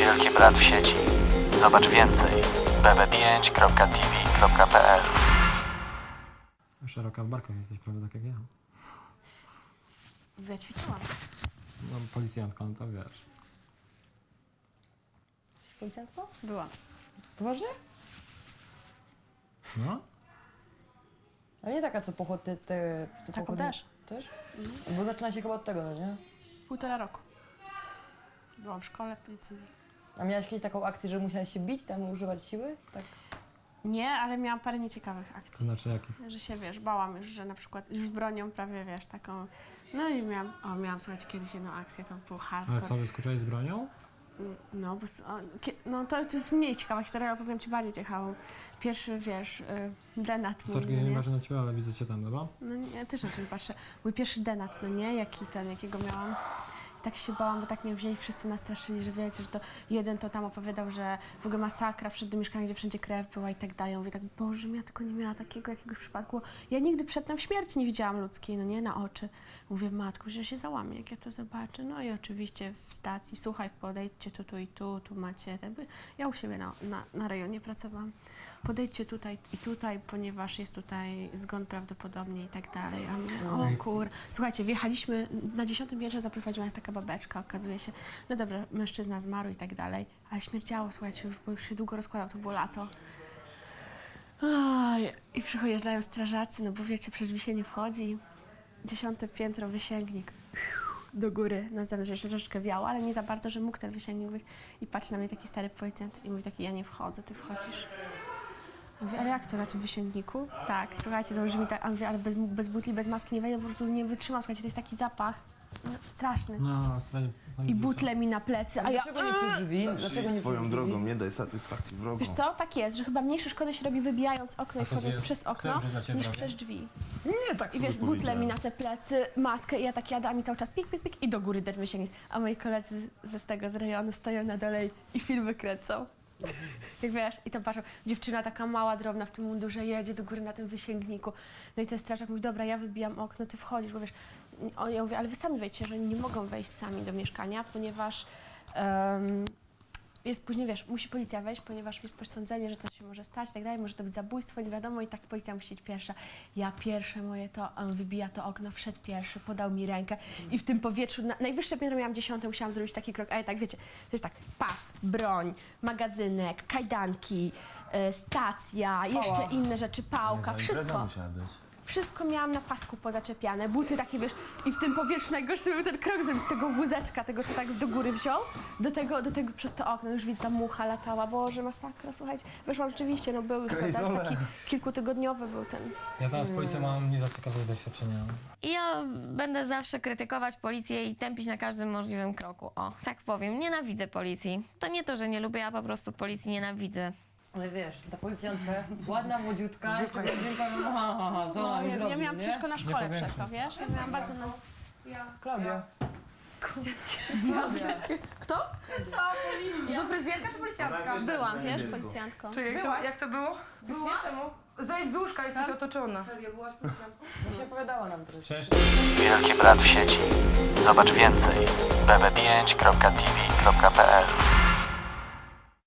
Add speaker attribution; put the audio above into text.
Speaker 1: Wielki Brat w sieci. Zobacz więcej bb5.tv.pl.
Speaker 2: Szeroka w barkach jesteś, prawda, tak jak ja.
Speaker 3: Ja ćwiczyłam.
Speaker 2: No, policjantką, to wiesz.
Speaker 4: Jesteś policjantką?
Speaker 3: Byłam.
Speaker 4: Poważnie?
Speaker 2: No?
Speaker 4: Ale nie taka, co pochodnie te... Co
Speaker 3: Taką
Speaker 4: pochodnie...
Speaker 3: też.
Speaker 4: Też? Bo zaczyna się chyba od tego, no nie?
Speaker 3: 1,5 roku. Byłam w szkole policyjnej.
Speaker 4: A miałaś kiedyś taką akcję, że musiałaś się bić, tam używać siły? Tak.
Speaker 3: Nie, ale miałam parę nieciekawych
Speaker 2: To
Speaker 3: akcji.
Speaker 2: znaczy jakich?
Speaker 3: Że się, wiesz, bałam już, że na przykład już z bronią prawie, wiesz, taką... No i miałam, słuchajcie, kiedyś jedną akcję, to był
Speaker 2: Ale
Speaker 3: hardcore.
Speaker 2: co, wyskoczyłeś z bronią?
Speaker 3: No, bo, no to jest mniej ciekawa historia, ale powiem ci bardziej ciekawą. Pierwszy, wiesz, denat mój,
Speaker 2: Zaczekaj,
Speaker 3: no
Speaker 2: nie
Speaker 3: nie?
Speaker 2: patrzę na ciebie, ale widzę cię tam, dobra?
Speaker 3: No nie, też na to nie patrzę. Mój pierwszy denat, no nie? Jakiego miałam. I tak się bałam, bo tak mnie wzięli, wszyscy nastraszyli, że wiecie, że to jeden to tam opowiadał, że w ogóle masakra, wszedł do mieszkania, gdzie wszędzie krew była i tak dalej. Ja mówię tak, Boże, ja tylko nie miała takiego jakiegoś przypadku. Ja nigdy przedtem śmierci nie widziałam ludzkiej, no nie, na oczy. Mówię, matko, że się załamie, jak ja to zobaczę. No i oczywiście w stacji, słuchaj, podejdźcie tu i tu macie. Ja u siebie na rejonie pracowałam. Podejdźcie tutaj i tutaj, ponieważ jest tutaj zgon prawdopodobnie i tak dalej. A my, o kur... Słuchajcie, wjechaliśmy, na 10. piętrze zaprowadziła nas taka babeczka, okazuje się, no dobra, mężczyzna zmarł i tak dalej, ale śmierdziało, słuchajcie, bo już się długo rozkładał, to było lato. Oj, i przyjeżdżają strażacy, no bo wiecie, przecież mi się nie wchodzi. 10. piętro, wysięgnik. Do góry, na zewnątrz jeszcze troszeczkę wiało, ale nie za bardzo, że mógł ten wysięgnik być. I patrzy na mnie taki stary policjant i mówi taki, ja nie wchodzę, ty wchodzisz. Ja mówię, ale jak to, na tym wysięgniku? Tak, słuchajcie, to brzmi tak, a mówię, ale bez butli, bez maski nie wejdę, po prostu nie wytrzymam, słuchajcie, to jest taki zapach straszny.
Speaker 2: No, słuchaj.
Speaker 3: I butle mi na plecy, a ja...
Speaker 4: Dlaczego nie przez drzwi? Dlaczego nie przez
Speaker 5: Swoją
Speaker 4: drzwi?
Speaker 5: drogą nie daj satysfakcji wrogom.
Speaker 3: Wiesz co, tak jest, że chyba mniejsze szkody się robi wybijając okno
Speaker 2: A
Speaker 3: i
Speaker 2: to
Speaker 3: wchodząc
Speaker 2: jest-
Speaker 3: przez
Speaker 2: kto
Speaker 3: okno,
Speaker 2: już dla ciebie
Speaker 3: niż
Speaker 2: robi?
Speaker 3: przez drzwi.
Speaker 5: Nie, tak
Speaker 3: I
Speaker 5: sobie
Speaker 3: wiesz, butle
Speaker 5: powiedziałem.
Speaker 3: mi na te plecy, maskę i ja tak jadam i cały czas pik, pik, pik i do góry dermy sięgnie. A moi koledzy z rejonu stoją na dole i filmy kręcą. Jak wiesz, i tam patrzą, dziewczyna taka mała, drobna w tym mundurze jedzie do góry na tym wysięgniku. No i ten strażak mówi, dobra, ja wybijam okno, ty wchodzisz, bo wiesz, ja mówię, ale wy sami wejdźcie, że oni nie mogą wejść sami do mieszkania, ponieważ jest później, wiesz, musi policja wejść, ponieważ jest posądzenie, że to się może stać i tak dalej, może to być zabójstwo, nie wiadomo i tak policja musi iść pierwsza. Ja pierwsze moje to, on wybija to okno, wszedł pierwszy, podał mi rękę i w tym powietrzu, najwyższe piętro miałam 10, musiałam zrobić taki krok, ale tak wiecie, to jest tak, pas, broń, magazynek, kajdanki, stacja, jeszcze inne rzeczy, pałka, wszystko. Wszystko miałam na pasku pozaczepiane, buty takie, wiesz, i w tym powietrzu najgorszy był ten krok zrobić z tego wózeczka, tego co tak do góry wziął, do tego przez to okno, już widzę, ta mucha latała, Boże, masakra, słuchajcie, weszłam rzeczywiście, no był już taki kilkutygodniowy był ten.
Speaker 2: Ja tam z policją mam nie za ciekawe doświadczenia.
Speaker 6: I ja będę zawsze krytykować policję i tępić na każdym możliwym kroku. O, tak powiem, nienawidzę policji. To nie to, że nie lubię, ja po prostu policji nienawidzę.
Speaker 4: Ale wiesz, ta policjantka, ładna, młodziutka, jeszcze blondynka, Zola mi
Speaker 3: Ja
Speaker 4: zrobi,
Speaker 3: miałam
Speaker 4: nie?
Speaker 3: ciężko na szkole
Speaker 2: powiększam.
Speaker 3: przez to, wiesz, ja miałam bardzo na...
Speaker 4: Klaudia.
Speaker 7: Kto? To fryzjerka czy policjantka?
Speaker 3: Byłam, wiesz, policjantką.
Speaker 7: Czekaj, jak to było?
Speaker 4: Już nie, czemu?
Speaker 7: Zejdź z łóżka, jesteś otoczona.
Speaker 4: Właśnie opowiadała nam teraz.
Speaker 2: Cześć.
Speaker 1: Wielki Brat w sieci. Zobacz więcej bb5.tv.pl.